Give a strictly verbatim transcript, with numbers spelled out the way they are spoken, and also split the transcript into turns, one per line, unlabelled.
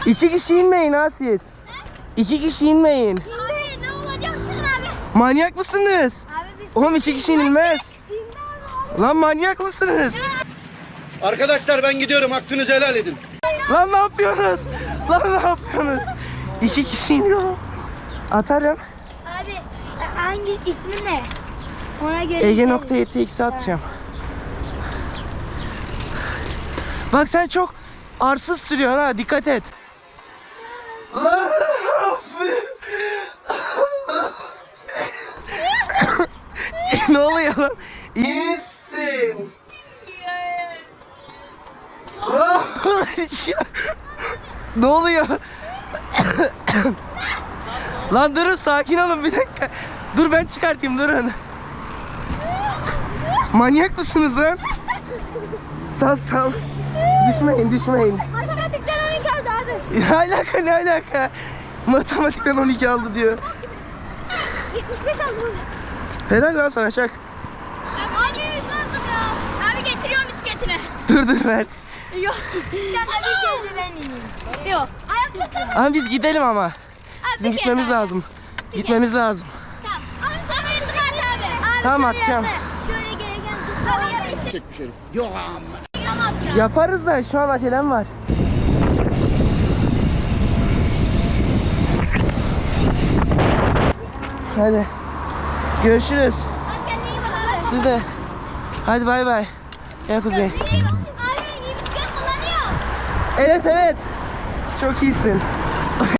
İki kişi inmeyin ha siz. İki kişi inmeyin.
Abi ne olacak abi?
Manyak mısınız?
Abi biz...
Oğlum iki kişi inilmez. Lan manyak mısınız?
Arkadaşlar ben gidiyorum, hakkınızı helal edin.
Lan ne yapıyorsunuz? Lan ne yapıyorsunuz? İki kişi iniyor. Atarım.
Abi hangi ismi ne? Ona göre...
Ege nokta ytx'e atacağım. Bak sen çok arsız sürüyorsun ha, dikkat et. Lan ne oluyor lan? İyi misin? Ne oluyor? Lan durun, sakin olun bir dakika. Dur ben çıkartayım, durun. Manyak mısınız lan? Sal sal. Düşmeyin düşmeyin.
Matematikten on iki aldı abi.
Ne alaka ne alaka? Matematikten on iki aldı diyor.
yetmiş beş aldı.
Helal lan sana Şak.
Abi yüz aldım ya. Abi getiriyorum bisikletini.
Dur dur ver.
Yok. Sen de bir kez ben ineyim. Yok. Ayakta tamam.
Ama biz gidelim ama.
Abi
Bizim
bir
gitmemiz
kez daha.
lazım. Gitmemiz lazım.
Tamam. Abi sen beni çıkart abi. Abi
Tamam,
şöyle
atacağım.
yapsana. Şöyle gereken. Abi yapayım.
Çek bir şey. Yok amma.
Yaramaz ya.
Yaparız da şu an acelem var. Hadi. Görüşürüz.
Hadi kendine iyi bak abi.
Siz de. Hadi bay bay. Gel Kuzey.
Abi iyi bisiklet kullanıyor.
Evet evet. Çok iyisin.